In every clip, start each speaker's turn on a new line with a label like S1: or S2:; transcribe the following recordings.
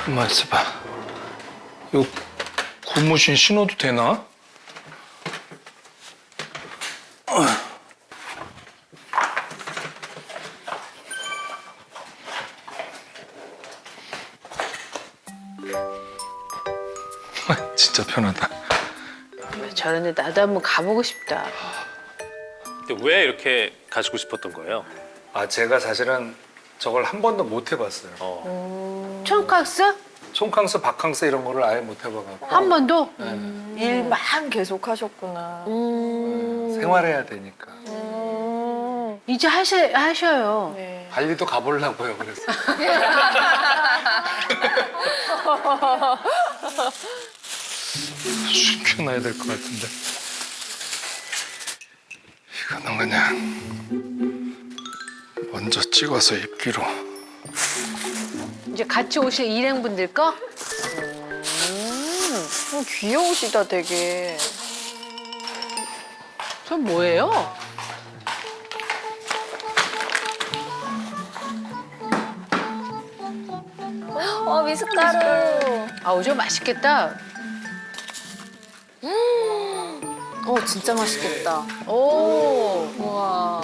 S1: 가만 있어봐. 이거 고무신 신어도 되나? 진짜 편하다.
S2: 저런데 나도 한번 가보고 싶다.
S3: 근데 왜 이렇게 가지고 싶었던 거예요?
S1: 아, 제가 사실은 저걸 한 번도 못 해봤어요.
S2: 총각스?
S1: 총캉스, 바캉스 이런 거를 아예 못 해봐가지고.
S2: 한 번도?
S4: 일만 계속 하셨구나.
S1: 생활해야 되니까.
S2: 이제 하셔요.
S4: 네.
S1: 발리도 가보려고요, 그래서. 숨겨놔야 될 것 같은데. 이거는 그냥 먼저 찍어서 입기로.
S2: 이제 같이 오실 일행분들 거?
S4: 귀여우시다 되게.
S2: 저 뭐예요?
S5: 미숫가루.
S2: 아우, 저 맛있겠다.
S5: 진짜 맛있겠다.
S2: 오,
S5: 우와.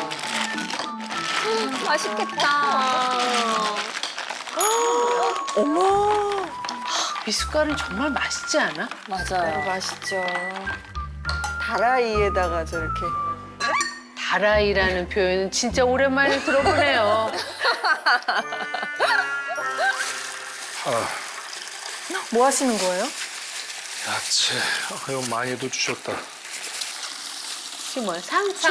S5: 맛있겠다.
S2: 미숫가루는 정말 맛있지 않아?
S5: 맞아요.
S4: 맛있죠. 다라이에다가 저렇게.
S2: 다라이라는 표현은 진짜 오랜만에 들어보네요.
S4: 뭐 하시는 거예요?
S1: 야채. 아, 이거 많이도 주셨다.
S2: 지금 뭐야? 상추.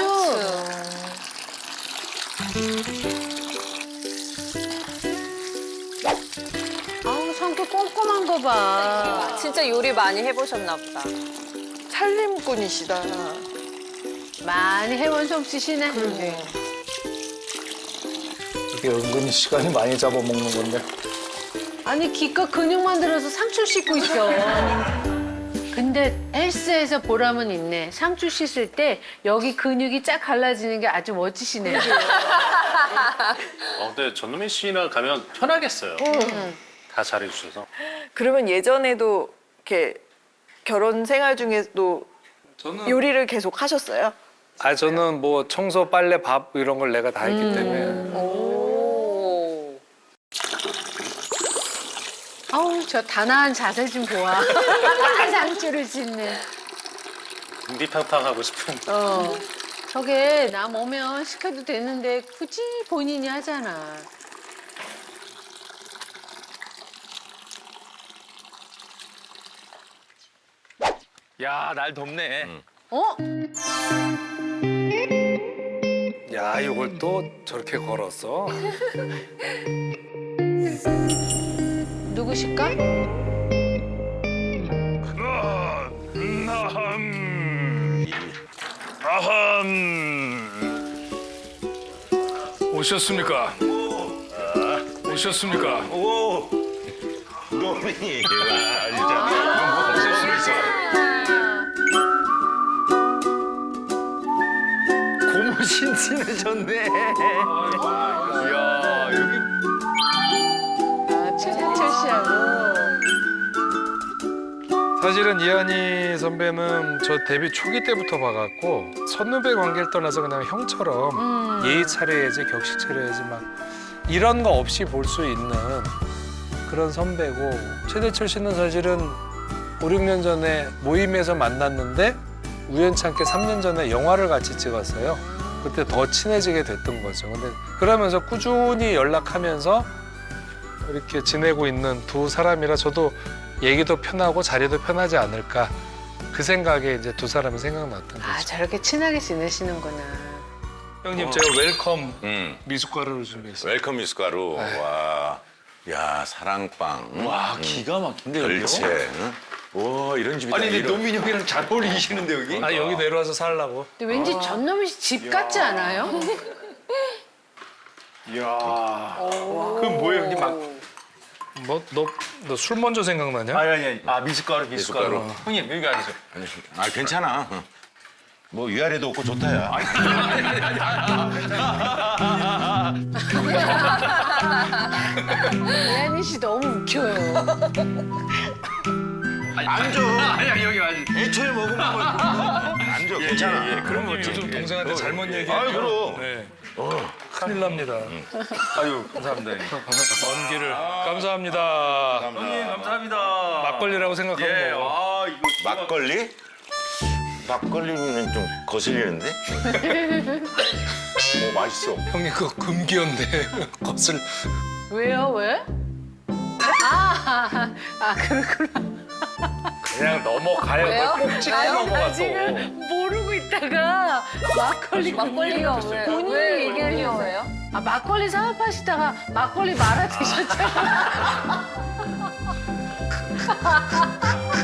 S2: 아우, 성격 꼼꼼한 거 봐.
S5: 진짜 요리 많이 해보셨나 보다.
S4: 살림꾼이시다.
S2: 많이 해본 솜씨시네.
S1: 이게 은근히 시간이 많이 잡아먹는 건데.
S2: 아니, 기껏 근육만 들어서 상추 씻고 있어. 근데 헬스에서 보람은 있네. 상추 씻을 때 여기 근육이 쫙 갈라지는 게 아주 멋지시네요.
S3: 근데 전노민 씨랑 가면 편하겠어요. 다 잘해주셔서.
S4: 그러면 예전에도 이렇게 결혼 생활 중에도
S1: 저는
S4: 요리를 계속 하셨어요?
S1: 아, 저는 뭐 청소, 빨래, 밥 이런 걸 내가 다 했기 때문에.
S5: 오.
S2: 아우, 저 단아한 자세 좀 보아. 상추를 씻는.
S3: 궁디팡팡하고 싶은.
S2: 저게 남 오면 시켜도 되는데 굳이 본인이 하잖아.
S6: 야, 날 덥네.
S2: 어?
S1: 야, 이걸 또 저렇게 걸었어?
S2: 누구실까?
S1: 오셨습니까? 오셨습니까?
S7: 오, 노민이 와 진짜
S6: 고무신 신으셨네. 이야, 여기
S2: 아, 최상철 씨하고.
S1: 사실은 이한희 선배는 저 데뷔 초기 때부터 봐갖고 선후배 관계를 떠나서 그냥 형처럼 예의 차려야지, 격식 차려야지 막 이런 거 없이 볼 수 있는 그런 선배고, 최대철 씨는 사실은 5, 6년 전에 모임에서 만났는데 우연찮게 3년 전에 영화를 같이 찍었어요. 그때 더 친해지게 됐던 거죠. 근데 그러면서 꾸준히 연락하면서 이렇게 지내고 있는 두 사람이라 저도 얘기도 편하고 자리도 편하지 않을까, 그 생각에 이제 두 사람이 생각났던
S2: 아,
S1: 거죠.
S2: 저렇게 친하게 지내시는구나.
S1: 형님, 제가 웰컴
S7: 응.
S1: 미숫가루를 준비했어요.
S7: 웰컴 미숫가루. 와, 야 사랑빵.
S6: 와, 기가 막힌데 여기.
S7: 글채. 응? 와 이런 집이다.
S6: 아니, 근데
S7: 이런.
S6: 노민이 형이랑 잘 어울리시는데 여기?
S1: 아, 여기 내려와서 살라고.
S2: 근데 왠지 전놈이 집 같지 않아요?
S6: 이야. 그럼 뭐예요, 형님? 막
S1: 뭐, 너 술 먼저 생각나냐?
S6: 아니. 아, 미숫가루.
S7: 미숫가루.
S6: 형님, 여기 앉으세요.
S7: 아 괜찮아. 응. 뭐 위아래도 없고 좋다야.
S2: 이한희 씨 너무 웃겨요.
S7: 앉아.
S6: 아니 여기 아니.
S7: 애초에 먹으면 앉아. 괜찮아.
S1: 그런 거 요즘 동생한테 잘못 얘기해.
S7: 아유, 그럼.
S1: 네. 큰일 납니다.
S6: 아유 감사합니다.
S1: 먼 길을 감사합니다.
S6: 형님 감사합니다.
S1: 막걸리라고 생각하고
S6: 예.
S1: 먹어.
S6: 아 이거
S7: 막걸리? 막걸리는 좀 거슬리는데? 맛있어.
S1: 형님 그거 금기어인데 것을
S2: 왜요? 왜? 그렇구나.
S1: 그냥 넘어가요.
S5: 왜요?
S1: 꼭 찍고
S5: 왜요?
S1: 넘어가서.
S2: 지금 모르고 있다가
S5: 막걸리가 왜?
S2: 본인이
S5: 왜
S2: 얘기하려고
S5: 왜요?
S2: 막걸리 사업하시다가 막걸리 말아 드셨잖아요.